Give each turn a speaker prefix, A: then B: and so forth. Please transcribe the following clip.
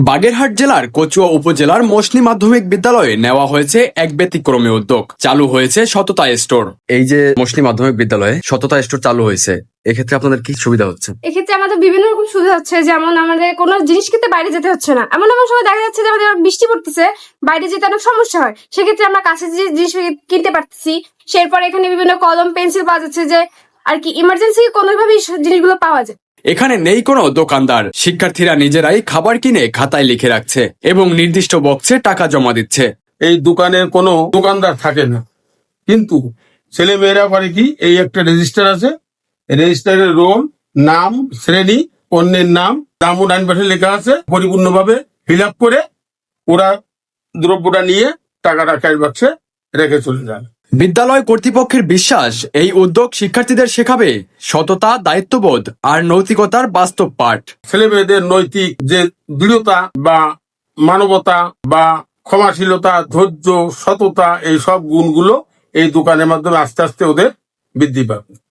A: বাগেরহাট জেলার কচুয়া উপজেলার মসনি মাধ্যমিক বিদ্যালয়ে নেওয়া হয়েছে এক ব্যতিক্রমী উদ্যোগ। চালু হয়েছে সততা স্টোর। এই যে মসনি মাধ্যমিক বিদ্যালয়ে সততা স্টোর চালু হয়েছে, এক্ষেত্রে আপনাদের কি সুবিধা হচ্ছে?
B: এক্ষেত্রে আমাদের বিভিন্ন রকম সুবিধা হচ্ছে, যেমন আমাদের কোনো জিনিস কিনতে বাইরে যেতে হচ্ছে না। এমন এমন সময় দেখা যাচ্ছে যে আমাদের বৃষ্টি পড়তেছে, বাইরে যেতে অনেক সমস্যা হয়, সেক্ষেত্রে আমরা কাছে যে জিনিস কিনতে পারতেছি। এরপর এখানে বিভিন্ন কলম পেন্সিল পাওয়া যাচ্ছে, যে আর কি ইমার্জেন্সি কোনোভাবেই জিনিসগুলো পাওয়া যায়।
A: এখানে নেই কোনো দোকানদার, শিক্ষার্থীরা নিজেরাই খাবার কিনে খাতায় লিখে রাখছে এবং নির্দিষ্ট বক্সে টাকা জমা দিচ্ছে।
C: এই দোকানের কোনো দোকানদার থাকে না, কিন্তু ছেলে মেয়েরা করে কি, এই একটা রেজিস্টার আছে, রেজিস্টারের রোল, নাম, শ্রেণী, পণ্যের নাম, দামও ডান পাশে লেখা আছে, পরিপূর্ণভাবে ফিল আপ করে ওরা দ্রব্যটা নিয়ে টাকাটা ক্যাশ বাক্সে রেখে চলে যায়।
A: বিদ্যালয় কর্তৃপক্ষের বিশ্বাস, এই উদ্যোগ শিক্ষার্থীদের শেখাবে সততা, দায়িত্ববোধ আর নৈতিকতার বাস্তব পাঠ।
C: ছেলে মেয়েদের নৈতিক যে দৃঢ়তা বা মানবতা বা ক্ষমাশীলতা, ধৈর্য, সততা, এই সব গুণগুলো এই দোকানের মাধ্যমে আস্তে আস্তে ওদের বৃদ্ধি পাবে।